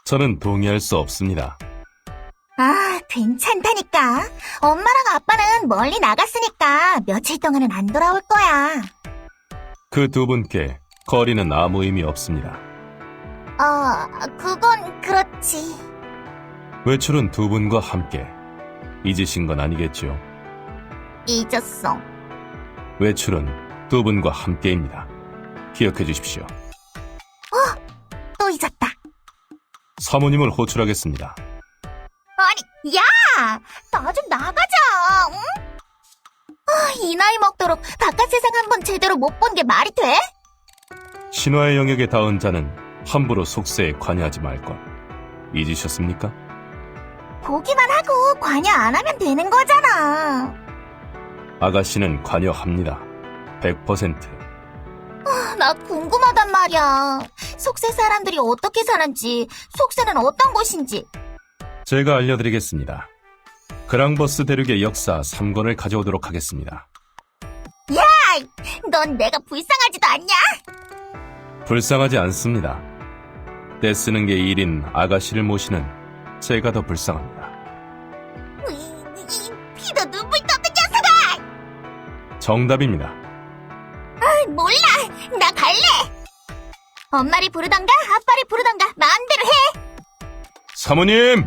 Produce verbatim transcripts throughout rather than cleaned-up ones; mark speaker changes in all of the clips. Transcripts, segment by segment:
Speaker 1: 저는 동의할 수 없습니다.
Speaker 2: 아, 괜찮다니까. 엄마랑 아빠는 멀리 나갔으니까 며칠 동안은 안 돌아올 거야.
Speaker 1: 그 두 분께 거리는 아무 의미 없습니다.
Speaker 2: 어, 그건 그렇지.
Speaker 1: 외출은 두 분과 함께. 잊으신 건 아니겠죠?
Speaker 2: 잊었어.
Speaker 1: 외출은 두 분과 함께입니다. 기억해 주십시오.
Speaker 2: 또 잊었다.
Speaker 1: 사모님을 호출하겠습니다.
Speaker 2: 아니, 야! 나 좀 나가자, 응? 아, 이 나이 먹도록 바깥 세상 한번 제대로 못 본 게 말이 돼?
Speaker 1: 신화의 영역에 닿은 자는 함부로 속세에 관여하지 말 것. 잊으셨습니까?
Speaker 2: 보기만 하고 관여 안 하면 되는 거잖아.
Speaker 1: 아가씨는 관여합니다. 백 퍼센트.
Speaker 2: 아, 나 궁금하단 말이야. 속세 사람들이 어떻게 사는지, 속세는 어떤 곳인지.
Speaker 1: 제가 알려드리겠습니다. 그랑버스 대륙의 역사 삼 권을 가져오도록 하겠습니다.
Speaker 2: 넌 내가 불쌍하지도 않냐?
Speaker 1: 불쌍하지 않습니다. 떼쓰는 게 일인 아가씨를 모시는 제가 더 불쌍합니다.
Speaker 2: 이, 이 피도 눈물 떴던 녀석아!
Speaker 1: 정답입니다.
Speaker 2: 아, 몰라! 나 갈래! 엄마를 부르던가 아빠를 부르던가 마음대로 해!
Speaker 1: 사모님!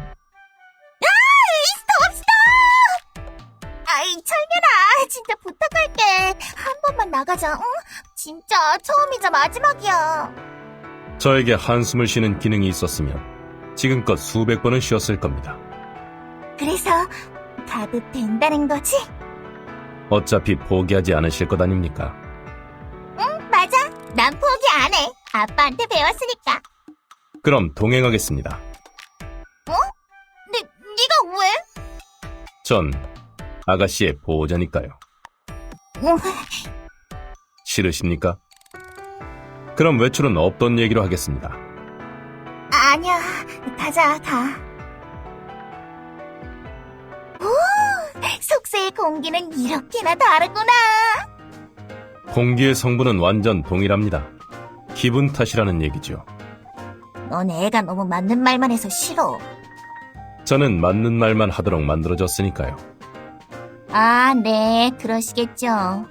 Speaker 2: 스톱 스톱! 아이 철면아, 진짜 부탁할게. 한 번만 나가자, 응? 진짜 처음이자 마지막이야.
Speaker 1: 저에게 한숨을 쉬는 기능이 있었으면 지금껏 수백 번은 쉬었을 겁니다.
Speaker 2: 그래서 가도 된다는 거지?
Speaker 1: 어차피 포기하지 않으실 것 아닙니까?
Speaker 2: 응, 맞아. 난 포기 안 해. 아빠한테 배웠으니까.
Speaker 1: 그럼 동행하겠습니다.
Speaker 2: 네, 네가 왜?
Speaker 1: 전 아가씨의 보호자니까요.
Speaker 2: 응,
Speaker 1: 싫으십니까? 그럼 외출은 없던 얘기로 하겠습니다.
Speaker 2: 아니야. 가자, 가. 오, 속세의 공기는 이렇게나 다르구나.
Speaker 1: 공기의 성분은 완전 동일합니다. 기분 탓이라는 얘기죠.
Speaker 2: 넌 애가 너무 맞는 말만 해서 싫어.
Speaker 1: 저는 맞는 말만 하도록 만들어졌으니까요.
Speaker 2: 아, 네, 그러시겠죠. 아,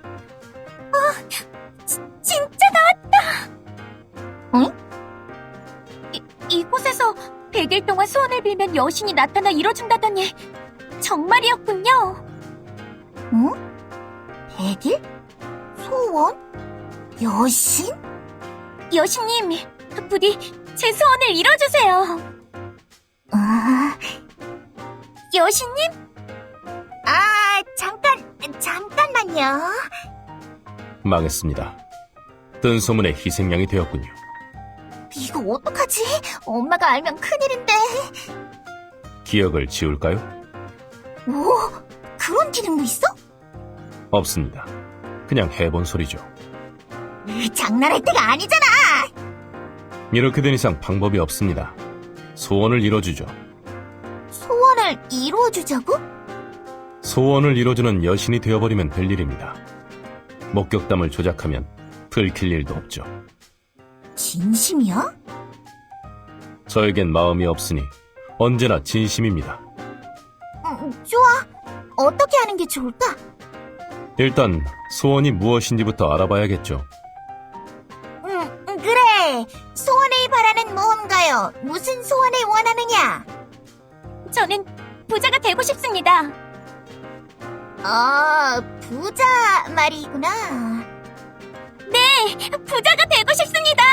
Speaker 2: 지, 진짜 나왔다! 응? 이, 이곳에서 백 일 동안 소원을 빌면 여신이 나타나 이뤄준다더니 정말이었군요. 응? 백 일? 소원? 여신? 여신님, 부디 제 소원을 이뤄주세요. 아... 여신님? 아, 잠깐, 잠깐만요.
Speaker 1: 망했습니다. 뜬 소문에 희생양이 되었군요.
Speaker 2: 이거 어떡하지? 엄마가 알면 큰일인데.
Speaker 1: 기억을 지울까요?
Speaker 2: 오, 그런 기능도 있어?
Speaker 1: 없습니다. 그냥 해본 소리죠.
Speaker 2: 으, 장난할 때가 아니잖아.
Speaker 1: 이렇게 된 이상 방법이 없습니다. 소원을 이뤄주죠.
Speaker 2: 소원을 이루어주자고?
Speaker 1: 소원을 이뤄주는 여신이 되어버리면 될 일입니다. 목격담을 조작하면 들킬 일도 없죠.
Speaker 2: 진심이야?
Speaker 1: 저에겐 마음이 없으니 언제나 진심입니다.
Speaker 2: 음, 좋아. 어떻게 하는 게 좋을까?
Speaker 1: 일단 소원이 무엇인지부터 알아봐야겠죠.
Speaker 2: 음, 음, 그래. 소원을 바라는 모험가요. 무슨 소원을 원하느냐? 저는 부자가 되고 싶습니다. 아, 부자 말이구나. 네, 부자가 되고 싶습니다.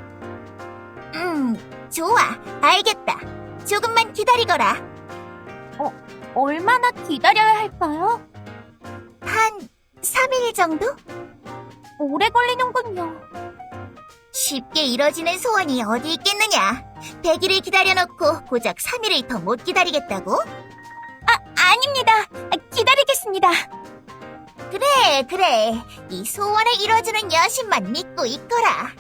Speaker 2: 음, 좋아. 알겠다. 조금만 기다리거라. 어, 얼마나 기다려야 할까요? 한 삼 일 정도? 오래 걸리는군요. 쉽게 이뤄지는 소원이 어디 있겠느냐. 백 일을 기다려놓고 고작 삼 일을 더 못 기다리겠다고? 아, 아닙니다. 기다리겠습니다. 그래, 그래. 이 소원을 이뤄주는 여신만 믿고 있거라.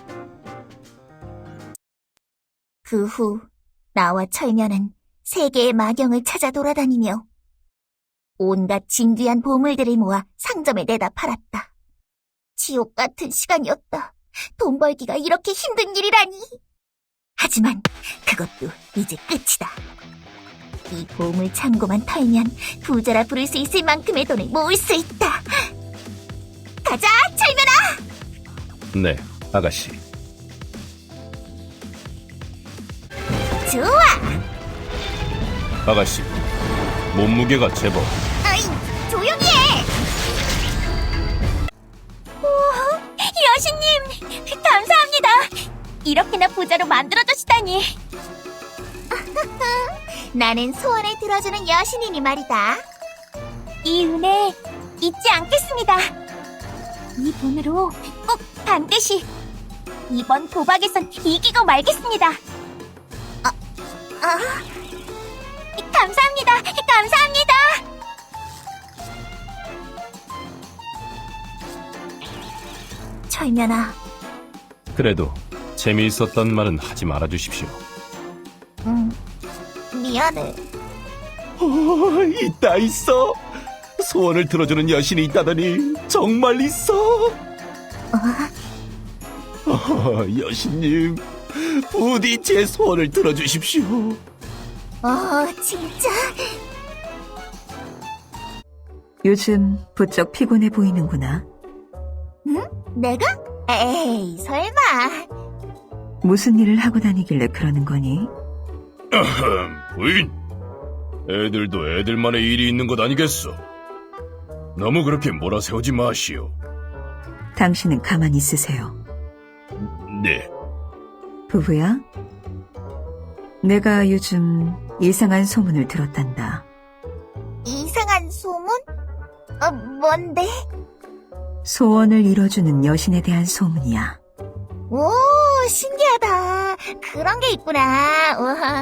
Speaker 2: 그 후 나와 철면은 세계의 마경을 찾아 돌아다니며 온갖 진귀한 보물들을 모아 상점에 내다 팔았다. 지옥 같은 시간이었다. 돈 벌기가 이렇게 힘든 일이라니. 하지만 그것도 이제 끝이다. 이 보물 창고만 털면 부자라 부를 수 있을 만큼의 돈을 모을 수 있다. 가자, 철면아!
Speaker 1: 네, 아가씨.
Speaker 2: 좋아!
Speaker 1: 아가씨, 몸무게가 제법.
Speaker 2: 아이, 조용히 해! 우와, 여신님, 감사합니다. 이렇게나 부자로 만들어주시다니. 나는 소원을 들어주는 여신이니 말이다. 이 은혜 잊지 않겠습니다. 이 돈으로 꼭 반드시 이번 도박에선 이기고 말겠습니다. 아, 아, 감사합니다. 감사합니다. 철면아.
Speaker 1: 그래도 재미있었던 말은 하지 말아주십시오.
Speaker 2: 응, 미안해.
Speaker 1: 어, 있다 있어. 소원을 들어주는 여신이 있다더니 정말 있어. 어, 여신님, 부디 제 소원을 들어주십시오.
Speaker 2: 어, 진짜?
Speaker 3: 요즘 부쩍 피곤해 보이는구나.
Speaker 2: 응? 내가? 에이, 설마.
Speaker 3: 무슨 일을 하고 다니길래 그러는 거니?
Speaker 1: 부인, 애들도 애들만의 일이 있는 것 아니겠어? 너무 그렇게 몰아세우지 마시오.
Speaker 3: 당신은 가만히 있으세요.
Speaker 1: 네.
Speaker 3: 부부야? 내가 요즘 이상한 소문을 들었단다.
Speaker 2: 이상한 소문? 어, 뭔데?
Speaker 3: 소원을 이뤄주는 여신에 대한 소문이야.
Speaker 2: 오, 신기하다. 그런 게 있구나. 우와.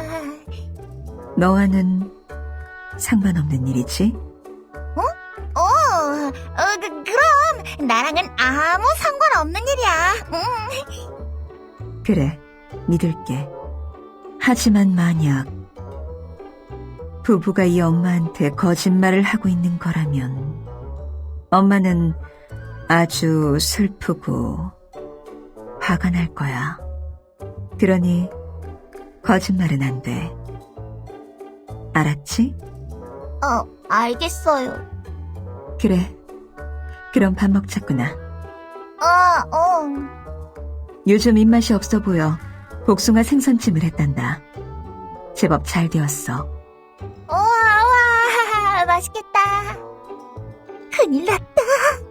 Speaker 3: 너와는 상관없는 일이지?
Speaker 2: 어, 어 그, 그럼 나랑은 아무 상관없는 일이야. 응.
Speaker 3: 그래, 믿을게. 하지만 만약 부부가 이 엄마한테 거짓말을 하고 있는 거라면 엄마는 아주 슬프고 화가 날 거야. 그러니 거짓말은 안 돼. 알았지?
Speaker 2: 어, 알겠어요.
Speaker 3: 그래. 그럼 밥 먹자꾸나.
Speaker 2: 어, 어.
Speaker 3: 요즘 입맛이 없어 보여. 복숭아 생선찜을 했단다. 제법 잘 되었어.
Speaker 2: 우와, 우와, 맛있겠다. 큰일 났다.